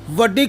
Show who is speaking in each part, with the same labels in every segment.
Speaker 1: ਵੱਡੀ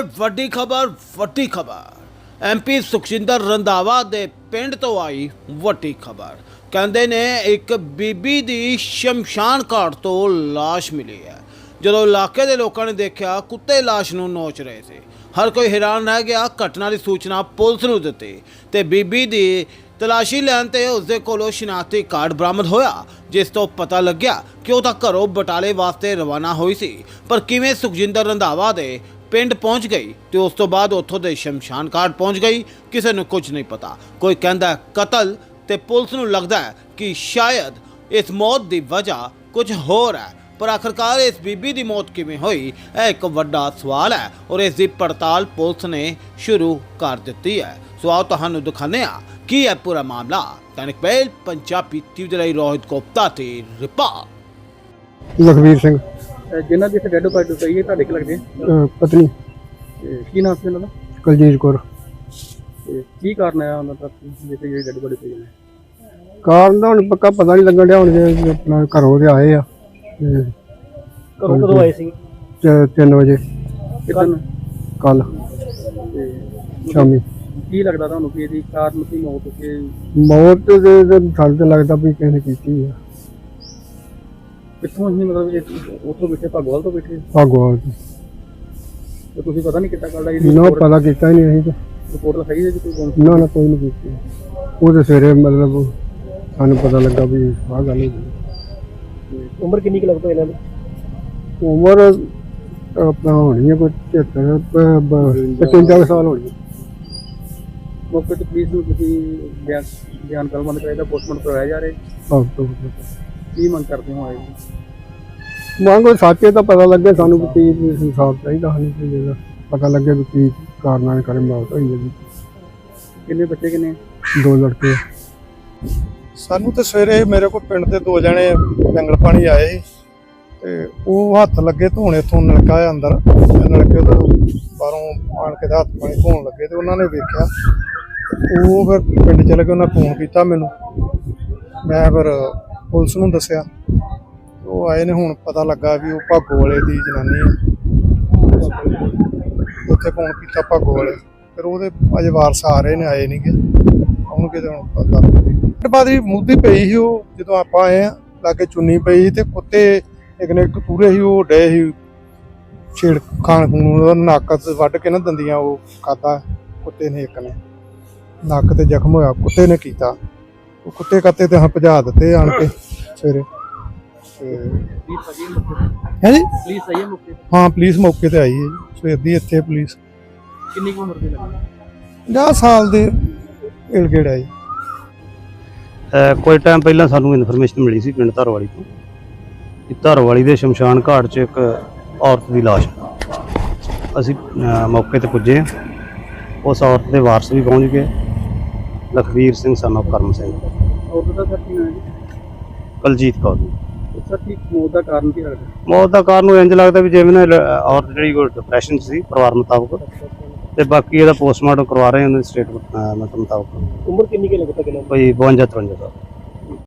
Speaker 1: ਖਬਰ ਐਮਪੀ ਸੁਖਜਿੰਦਰ ਰੰਧਾਵਾ ਦੇ ਪਿੰਡ ਤੋਂ ਆਈ ਵੱਡੀ ਖਬਰ। ਕਹਿੰਦੇ ਨੇ ਇੱਕ ਬੀਬੀ ਦੀ ਸ਼ਮਸ਼ਾਨ ਘਾਟ ਤੋਂ ਲਾਸ਼ ਮਿਲੀ ਹੈ। ਜਦੋਂ ਇਲਾਕੇ ਦੇ ਲੋਕਾਂ ਨੇ ਦੇਖਿਆ ਕੁੱਤੇ ਲਾਸ਼ ਨੂੰ ਨੋਚ ਰਹੇ ਸੀ। ਹਰ ਕੋਈ ਹੈਰਾਨ ਰਹਿ ਗਿਆ। ਘਟਨਾ ਦੀ ਸੂਚਨਾ ਪੁਲਿਸ ਨੂੰ ਦਿੱਤੀ ਤੇ ਬੀਬੀ ਦੀ ਤਲਾਸ਼ੀ ਲੈਣ ਤੇ ਉਸਦੇ ਕੋਲੋਂ ਸ਼ਨਾਖਤੀ ਕਾਰਡ ਬਰਾਮਦ ਹੋਇਆ, ਜਿਸ ਤੋਂ ਪਤਾ ਲੱਗਿਆ ਕਿ ਉਹ ਤਾਂ ਘਰੋਂ ਬਟਾਲੇ ਵਾਸਤੇ ਰਵਾਨਾ ਹੋਈ ਸੀ, ਪਰ ਕਿਵੇਂ ਸੁਖਜਿੰਦਰ ਰੰਧਾਵਾ ਦੇ ਪਿੰਡ ਪਹੁੰਚ ਗਈ ਤੇ ਉਸ ਤੋਂ ਬਾਅਦ ਉੱਥੋਂ ਦੇ ਸ਼ਮਸ਼ਾਨ ਘਾਟ ਪਹੁੰਚ ਗਈ, ਕਿਸੇ ਨੂੰ ਕੁਝ ਨਹੀਂ ਪਤਾ। ਕੋਈ ਕਹਿੰਦਾ ਕਤਲ ਤੇ ਪੁਲਿਸ ਨੂੰ ਲੱਗਦਾ ਹੈ ਕਿ ਸ਼ਾਇਦ ਇਸ ਮੌਤ ਦੀ ਵਜ੍ਹਾ ਕੁਝ ਹੋਰ ਹੈ, ਪਰ ਆਖਰਕਾਰ ਇਸ ਬੀਬੀ ਦੀ ਮੌਤ ਕਿਵੇਂ ਹੋਈ, ਇਹ ਇੱਕ ਵੱਡਾ ਸਵਾਲ ਹੈ ਔਰ ਇਸ ਦੀ ਪੜਤਾਲ ਪੁਲਿਸ ਨੇ ਸ਼ੁਰੂ ਕਰ ਦਿੱਤੀ ਹੈ। ਸੋ ਆਓ ਤੁਹਾਨੂੰ ਦਿਖਾਉਂਦੇ ਹਾਂ ਕੀ ਹੈ ਪੂਰਾ ਮਾਮਲਾ। दैनिक मेल पंजाबी ਟੀਵੀ ਦੇ ਲਈ ਰੋਹਿਤ ਗੁਪਤਾ ਤੇ ਰਿਪੋਰਟ।
Speaker 2: ਲਖਵੀਰ ਸਿੰਘ
Speaker 3: ਜਿਨ੍ਹਾਂ ਦੀ ਡੈਡ ਬਾਡੀ ਪਈ ਹੈ ਤੁਹਾਡੇ ਕੀ ਲੱਗਦੇ
Speaker 2: ਪਤਨੀ
Speaker 3: ਕੀ ਨਾਮ ਸੀ ਉਹਨਾਂ ਦਾ?
Speaker 2: ਕੁਲਜੀਤ ਕੌਰ।
Speaker 3: ਤੇ ਕੀ ਕਾਰਨ ਹੈ ਉਹਨਾਂ ਦਾ ਜਿੱਥੇ ਜਿਹੜੀ ਡੈਡ ਬਾਡੀ ਪਈ ਹੈ?
Speaker 2: ਕਾਰਨ ਦਾ ਹੁਣ ਪੱਕਾ ਪਤਾ ਨਹੀਂ ਲੱਗਣ ਡਿਆ। ਹੁਣ ਜੇ ਆਪਣਾ ਘਰੋਂ ਦੇ ਆਏ ਆ ਤੇ
Speaker 3: ਘਰੋਂ ਕਦੋਂ ਆਏ ਸੀ?
Speaker 2: 3 ਵਜੇ
Speaker 3: ਕਿਦਨ?
Speaker 2: ਕੱਲ ਸ਼ਾਮੀ।
Speaker 3: ਕੀ ਲੱਗਦਾ ਤੁਹਾਨੂੰ ਕਿ ਇਹਦੀ ਕਾਰਨ ਕੀ ਮੌਤ ਕਿ
Speaker 2: ਮੌਤ ਦੇ ਸਾਨੂੰ ਤਾਂ ਲੱਗਦਾ ਵੀ ਕਿਸੇ ਨੇ ਕੀਤੀ ਆ।
Speaker 3: ਕਿੱਥੋਂ ਹੀ ਮਤਲਬ ਉੱਥੋਂ ਬੈਠੇ ਭਗਵਾਲ ਤੋਂ ਬੈਠੇ
Speaker 2: ਭਾਗੋ
Speaker 3: ਤੇ ਤੁਸੀਂ ਪਤਾ ਨਹੀਂ ਕਿੱਦਾਂ ਕਰਦਾ
Speaker 2: ਨਾ ਪਤਾ ਕੀਤਾ ਹੀ ਨਹੀਂ ਅਸੀਂ ਤਾਂ।
Speaker 3: ਰਿਪੋਰਟ ਲਿਖਾਈ ਹੈ ਜੀ ਕੋਈ
Speaker 2: ਨਾ ਕੋਈ ਨਹੀਂ ਕੀਤੀ। ਉਹ ਤਾਂ ਸਵੇਰੇ ਮਤਲਬ ਸਾਨੂੰ ਪਤਾ ਲੱਗਾ ਵੀ ਆਹ ਗੱਲ ਹੋਈ।
Speaker 3: ਉਮਰ ਕਿੰਨੀ ਕੁ ਲੱਗਦਾ ਇਹਨਾਂ ਦੀ?
Speaker 2: ਉਮਰ ਆਪਣਾ ਹੋਣੀ ਹੈ ਕੋਈ 73 ਸਾਲ ਹੋਣੀ ਹੈ।
Speaker 3: ਮੌਕੇ ਤੇ ਪੁਲਿਸ ਨੂੰ ਤੁਸੀਂ ਬਿਆਨ ਕਰਵਾਉਣਾ ਚਾਹੀਦਾ, ਪੋਸਟਮਾਰਟਮ ਕਰਵਾਇਆ ਜਾ ਰਿਹਾ। ਕੀ ਮੰਗ ਕਰਦੇ ਹੋ ਆਏ?
Speaker 2: ਮੰਗੋ ਸਾਚੇ ਤਾਂ ਪਤਾ ਲੱਗੇ ਸਾਨੂੰ ਵੀ ਕੀ ਹਿਸਾਬ ਚਾਹੀਦਾ ਸਾਨੂੰ ਕਿ ਜਿਹੜਾ ਪਤਾ ਲੱਗੇ ਵੀ ਕੀ ਕਾਰਨਾਂ ਕਰੇ ਮੌਤ ਹੋਈ ਹੈ ਜੀ।
Speaker 3: ਕਿੰਨੇ ਬੱਚੇ ਕਿੰਨੇ?
Speaker 2: 2 ਲੜਕੇ।
Speaker 4: ਸਾਨੂੰ ਤੇ ਸਵੇਰੇ ਮੇਰੇ ਕੋਲ ਪਿੰਡ ਦੇ 2 ਜਣੇ ਜੰਗਲ ਪਾਣੀ ਆਏ ਸੀ ਤੇ ਉਹ ਹੱਥ ਲੱਗੇ ਧੋਣੇ ਤੋਂ ਨਲਕਾ ਆ ਅੰਦਰ ਨਲਕੇ ਤੋਂ ਬਾਹਰੋਂ ਆਣ ਕੇ ਹੱਥ ਪਾਣੀ ਧੋਣ ਲੱਗੇ ਤੇ ਉਹਨਾਂ ਨੇ ਵੇਖਿਆ। ਉਹ ਫਿਰ ਪਿੰਡ ਚਲੇ ਗਏ, ਉਹਨਾਂ ਫੋਨ ਕੀਤਾ ਮੈਨੂੰ, ਮੈਂ ਫਿਰ ਪੁਲਿਸ ਨੂੰ ਦੱਸਿਆ। ਉਹ ਆਏ ਨੇ, ਹੁਣ ਪਤਾ ਲੱਗਾ ਵੀ ਉਹ ਭਾਗੋ ਵਾਲੇ ਦੀ ਜਨਾਨੀ ਹੈ। ਉੱਥੇ ਫੋਨ ਕੀਤਾ ਭਾਗੋ ਵਾਲੇ, ਫਿਰ ਉਹਦੇ ਅਜੇ ਵਾਰਸ ਆ ਰਹੇ ਨੇ, ਆਏ ਨਹੀਂ ਗੇ ਆਉਣਗੇ ਤੇ ਹੁਣ ਪਤਾ। ਬਾਅਦ ਹੀ ਮੁੱਦੀ ਪਈ ਸੀ ਉਹ, ਜਦੋਂ ਆਪਾਂ ਆਏ ਆ ਲਾਗੇ ਚੁੰਨੀ ਪਈ ਤੇ ਕੁੱਤੇ ਇੱਕ ਨੇ ਇੱਕ ਪੂਰੇ ਸੀ ਉਹ ਡੇ ਸੀ ਛੇੜ ਖਾਣ ਖੂਨ, ਨੱਕ ਵੱਢ ਕੇ ਨਾ ਦੰਦੀਆਂ ਉਹ ਖਾਧਾ ਕੁੱਤੇ ਨੇ, ਇੱਕ ਨੇ ਨੱਕ ਤੇ ਜ਼ਖਮ ਹੋਇਆ ਕੁੱਤੇ ਨੇ ਕੀਤਾ। ਉਹ ਕੁੱਤੇ ਕੱਤੇ ਤੇ ਹਾਂ ਭਜਾ ਦਿੱਤੇ ਆਣ ਕੇ ਸਵੇਰੇ। ਹੈ ਜੀ
Speaker 3: ਪੁਲਿਸ ਆਈ ਹੈ ਮੌਕੇ ਤੇ?
Speaker 4: ਹਾਂ ਪੁਲਿਸ ਮੌਕੇ ਤੇ ਆਈ ਹੈ ਜੀ ਸਵੇਰ ਦੀ ਇੱਥੇ ਪੁਲਿਸ।
Speaker 3: ਕਿੰਨੀ ਕੁ ਉਮਰ ਦੇ ਲੱਗੇ?
Speaker 4: 50 ਸਾਲ ਦੇ ਇਲ ਗੇੜ ਹੈ ਜੀ।
Speaker 5: ਕੋਈ ਟਾਈਮ ਪਹਿਲਾਂ ਸਾਨੂੰ ਇਨਫੋਰਮੇਸ਼ਨ ਮਿਲੀ ਸੀ ਪਿੰਡ ਧਰਵਾਲੀ ਤੋਂ ਕਿ ਧਰਵਾਲੀ ਦੇ ਸ਼ਮਸ਼ਾਨ ਘਾਟ 'ਚ ਇੱਕ ਔਰਤ ਦੀ ਲਾਸ਼। ਅਸੀਂ ਮੌਕੇ ਤੇ ਪੁੱਜੇ। ਉਸ ਔਰਤ ਦੇ ਵਾਰਸ ਵੀ ਪਹੁੰਚ ਗਏ, ਲਖਵੀਰ ਸਿੰਘ son of ਕਰਮ ਸਿੰਘ,
Speaker 3: ਔਰਤ ਦਾ ਸਰ ਕੀ ਨਾਮ ਹੈ?
Speaker 5: ਕੁਲਜੀਤ ਕੌਰ।
Speaker 3: ਸਰ ਕੀ ਮੌਤ ਦਾ ਕਾਰਨ ਕੀ ਲੱਗਦਾ?
Speaker 5: ਮੌਤ ਦਾ ਕਾਰਨ ਇੰਝ ਲੱਗਦਾ ਵੀ ਜਿਵੇਂ ਨਾ ਔਰਤ ਜਿਹੜੀ ਕੋਈ ਡਿਪਰੈਸ਼ਨ ਸੀ ਪਰਿਵਾਰ ਮੁਤਾਬਕ, ਤੇ ਬਾਕੀ ਇਹਦਾ ਪੋਸਟਮਾਰਟਮ ਕਰਵਾ ਰਹੇ ਉਹਨਾਂ ਦੇ ਸਟੇਟਮੈਂਟ ਮੁਤਾਬਕ।
Speaker 3: ਉਮਰ ਕਿੰਨੀ ਕੁ ਲੱਗਦਾ? ਕਿੰਨਾ
Speaker 5: ਕੋਈ 52-53 ਸਾਲ।